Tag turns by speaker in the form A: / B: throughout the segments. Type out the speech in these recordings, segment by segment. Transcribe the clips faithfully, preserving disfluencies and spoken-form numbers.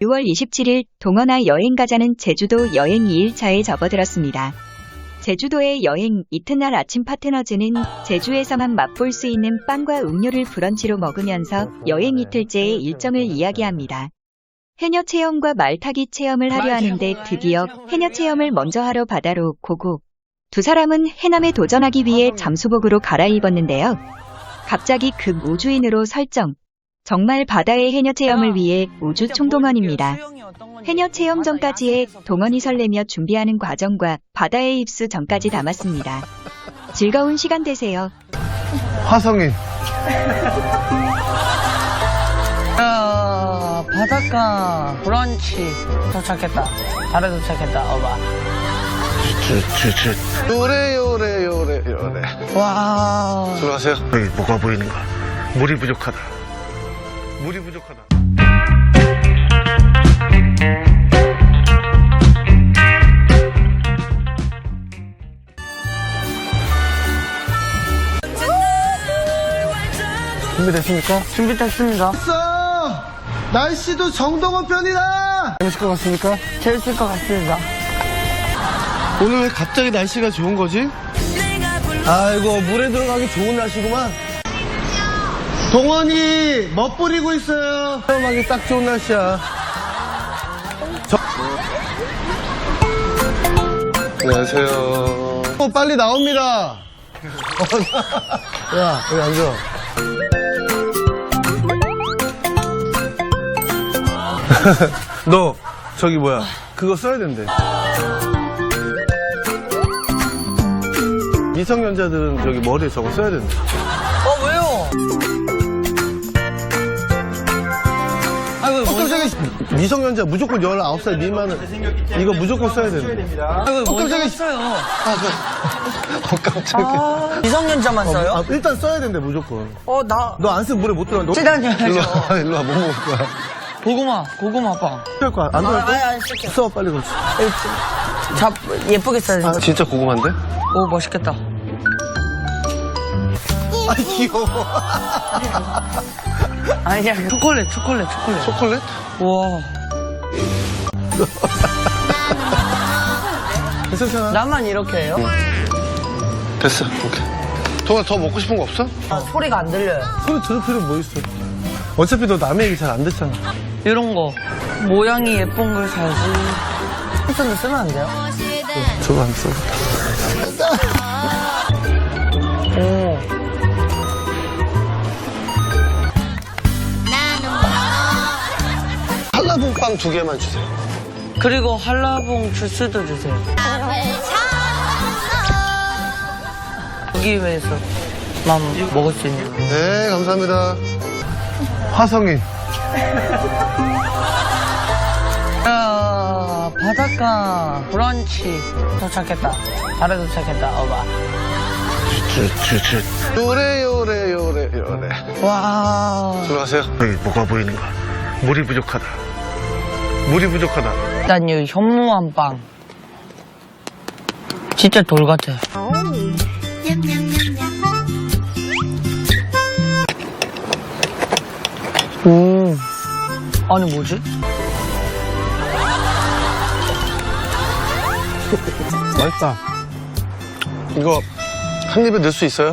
A: 유월 이십칠일 동원아 여행 가자는 제주도 여행 이 일차에 접어들었습니다. 제주도의 여행 이튿날 아침 파트너즈는 제주에서만 맛볼 수 있는 빵과 음료를 브런치로 먹으면서 여행 이틀째의 일정을 이야기합니다. 해녀 체험과 말타기 체험을 하려 하는데 드디어 해녀 체험을 먼저 하러 바다로 고고. 두 사람은 해남에 도전하기 위해 잠수복으로 갈아입었는데요. 갑자기 급 우주인으로 설정. 정말 바다의 해녀 체험을 위해 우주 총동원입니다. 해녀 체험 전까지의 동원이 설레며 준비하는 과정과 바다에 입수 전까지 담았습니다. 즐거운 시간 되세요.
B: 화성인.
C: 야, 바닷가 브런치 도착했다. 바로 도착했다. 어봐.
B: 쭈쭈쭈. 요래 요래 요래 요래.
C: 와.
B: 들어가세요. 여기 뭐가 보이는가? 물이 부족하다. 물이 부족하다. 준비됐습니까?
C: 준비됐습니다.
B: 됐어! 날씨도 정동원 편이다! 재밌을 것 같습니까?
C: 재밌을 것 같습니다.
B: 오늘 왜 갑자기 날씨가 좋은 거지? 아이고, 물에 들어가기 좋은 날씨구만. 동원이 멋부리고 있어요. 체험하기 딱 좋은 날씨야. 저... 안녕하세요. 어, 빨리 나옵니다. 야, 여기 앉아. 너 저기 뭐야 그거 써야 된대. 미성년자들은 저기 머리에 저거 써야 된대.
C: 어, 왜요? 아이고,
B: 어, 깜짝이야. 미성년자 무조건 열아홉 살 미만은 이거 무조건 써야 된대.
C: 아이고,
B: 어,
C: 뭐
B: 깜짝이야.
C: 했어요?
B: 아, 그... 어, 깜짝이야.
C: 아, 미성년자만
B: 어,
C: 써요?
B: 아, 일단 써야 된대 무조건.
C: 어, 나.
B: 너 안 쓰면 물에 못 들어가. 너...
C: 시간이야죠.
B: 일로 와, 일로 와, 뭐 먹을 거야?
C: 고구마, 고구마 빵.
B: 할 거야. 안 들어갈
C: 아, 아니,
B: 거야?
C: 아니, 쓸게요.
B: 써, 빨리 그렇지.
C: 잡, 예쁘게 써야 돼.
B: 아, 진짜 고구마인데?
C: 오, 멋있겠다.
B: 아, 귀여워.
C: 아니야, 초콜릿, 초콜릿, 초콜릿.
B: 초콜릿?
C: 우와.
B: 괜찮아.
C: 나만 이렇게 해요?
B: 됐어, 오케이. 동아, 더 먹고 싶은 거 없어?
C: 아, 소리가 안 들려요.
B: 소리 들을 필요 뭐 있어? 어차피 너 남의 얘기 잘 안 듣잖아.
C: 이런 거. 모양이 예쁜 걸 사야지. 핸드폰도 쓰면 안 돼요?
B: 저거 안 써.
C: 오.
B: 한라봉빵 두 개만 주세요.
C: 그리고 한라봉 주스도 주세요. 여기 위해서 만 먹을 수 있는.
B: 네, 감사합니다. 화성인.
C: 야, 바닷가 브런치 도착했다. 바로 도착했다. 어봐.
B: 쭈쭈쭈. 요래 요래 요래 요래.
C: 와.
B: 들어가세요. 여기 뭐가 보이는가? 물이 부족하다. 물이 부족하다.
C: 일단 이 현무암 빵. 진짜 돌 같아. 음. 아니 뭐지?
B: 맛있다. 이거 한 입에 넣을 수 있어요?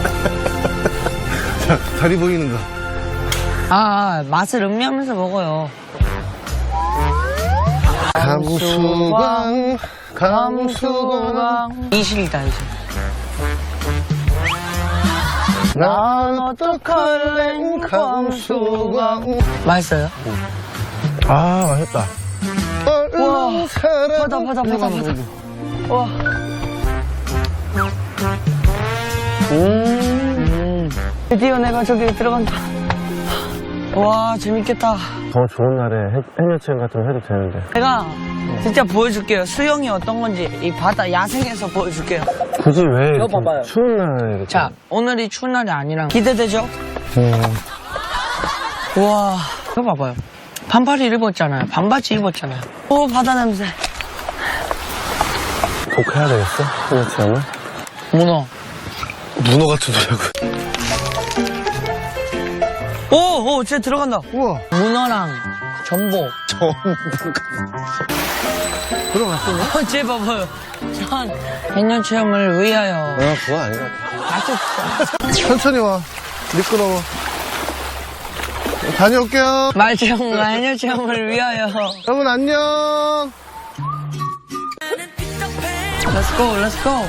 B: 자, 다리 보이는 거.
C: 아, 맛을 음미하면서 먹어요.
B: 감수광, 감수광.
C: 이실이다, 이실.
B: 난 어떡할래, 감수광.
C: 맛있어요?
B: 아, 맛있다.
C: 우와,
B: 사랑.
C: 바다, 바다, 바다, 바다. 와. 음. 드디어 내가 저기 들어간다. 와, 재밌겠다.
B: 더 좋은 날에 해녀 체험 같은 거 해도 되는데.
C: 제가 진짜 보여줄게요. 수영이 어떤 건지 이 바다 야생에서 보여줄게요.
B: 굳이 왜
C: 이거
B: 이렇게
C: 봐봐요.
B: 추운 날에 이렇게.
C: 자, 오늘이 추운 날이 아니라 기대되죠?
B: 음.
C: 우와, 이거 봐봐요. 반팔이 입었잖아요. 반바지 입었잖아요. 오, 바다 냄새.
B: 꼭 해야 되겠어? 해녀 체험을?
C: 문어.
B: 문어 같은 소리하고.
C: 오, 오, 진짜 들어간다.
B: 우와.
C: 문어랑 전복.
B: 들어갔어?
C: 어째 봐봐요. 전 백년 체험을 위하여.
B: 아, 그건 아닌 것 같아.
C: 아주
B: 천천히 와. 미끄러워. 다녀올게요.
C: 말체험과 해녀 체험을 위하여.
B: 여러분, 안녕.
C: Let's go, let's go.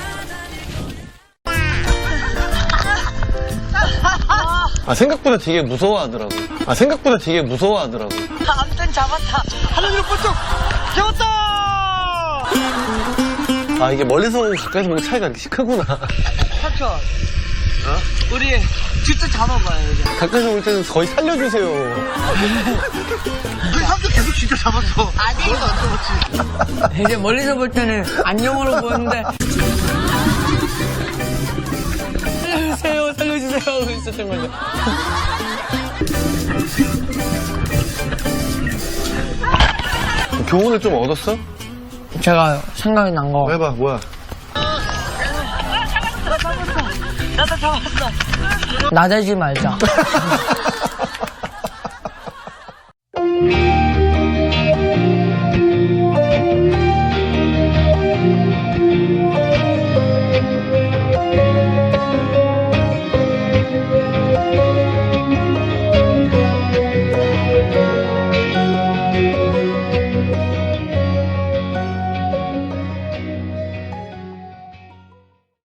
B: 아, 생각보다 되게 무서워하더라고. 아, 생각보다 되게 무서워하더라고.
C: 아무튼 잡았다.
B: 하늘로 번쩍! 잡았다! 아, 이게 멀리서 보고 가까이서 보고 차이가 이렇게 크구나.
C: 삼촌. 어? 우리 진짜 잡아봐요, 이제.
B: 가까이서 볼 때는 거의 살려주세요. 우리 삼촌 계속 진짜 잡았어.
C: 아니.
B: 안 잡았지.
C: 이제 멀리서 볼 때는 안녕으로 보이는데. 살려주세요, 살려주세요 하고 있었던 거죠.
B: 교훈을 좀 얻었어?
C: 제가 생각이 난 거.
B: 해봐, 뭐야.
C: 나도 잡았어. 나대지 말자.